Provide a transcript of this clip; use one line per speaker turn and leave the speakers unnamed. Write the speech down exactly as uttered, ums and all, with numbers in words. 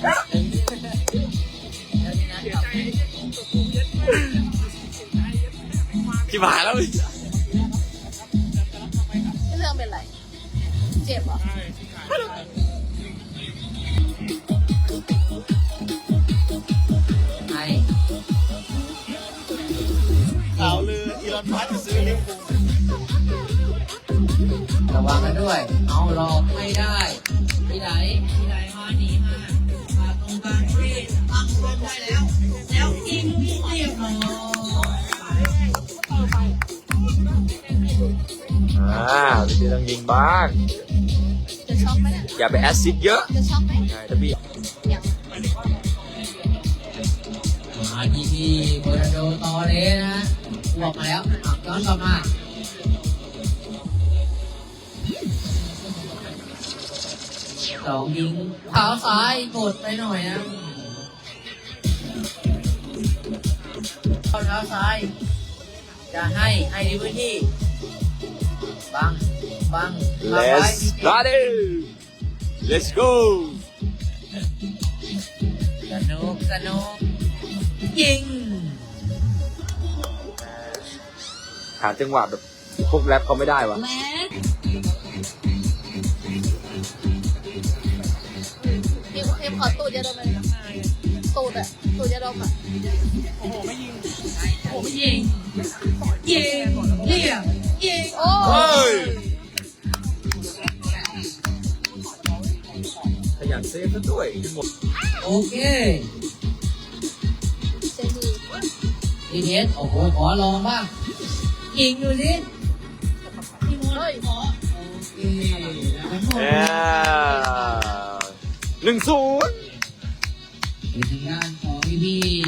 ที่หายแล้วเลย
เรื่องเป็นไรเจ็บเหรอ
ไอ้
ข่าวลืออีลอนมัสก์จะซื้อลิเวอร์พูล
ระวังกันด้วยเอาหลอกไม่ได้ที่ไหนที่ไหนมาหนีมามาตรงกลางที่ตั้งรวมได้แล้วแล้วยิงเรียบร้อย
อ่าพี่ต้องยิงบ้าง
จะช็อกไหมเนี่ย
อย่าไปแอซซิดเยอะ
จะช็อกไหม
ใช่ถ้าพี่
ยัง
มาที่ที่โบราโดตอเลนะฮะบวกมาแล้วย้อนกลับมาสองยิงเท้าซ้ายกดไปหน่อยนะเข้าเท้าซ้ายจะให้ให้ดีพื้นที่บังบัง
Let's party Let's go
สนุกสนุกยิง
หาจังหวะแบบพวกแรปเขาไม่ได้วะ
แม็กเอ็มเอ็มขอตูดยาดมเลยตูดอะตูดยาดมอะ
โอ้โหไม่ยิงโอ้โหไม่ยิงยิงเยี่ยมยิง
โอ้
ยขยันเซฟซะด้วยหมด
โอเค
เจนี่
ทีเอสโอ้โหขอลองบ้างยิงดูสิพี่มดขอโอเคแล้วหมด
หนึ่งศูนย์
ในทางด้านของพี่พี่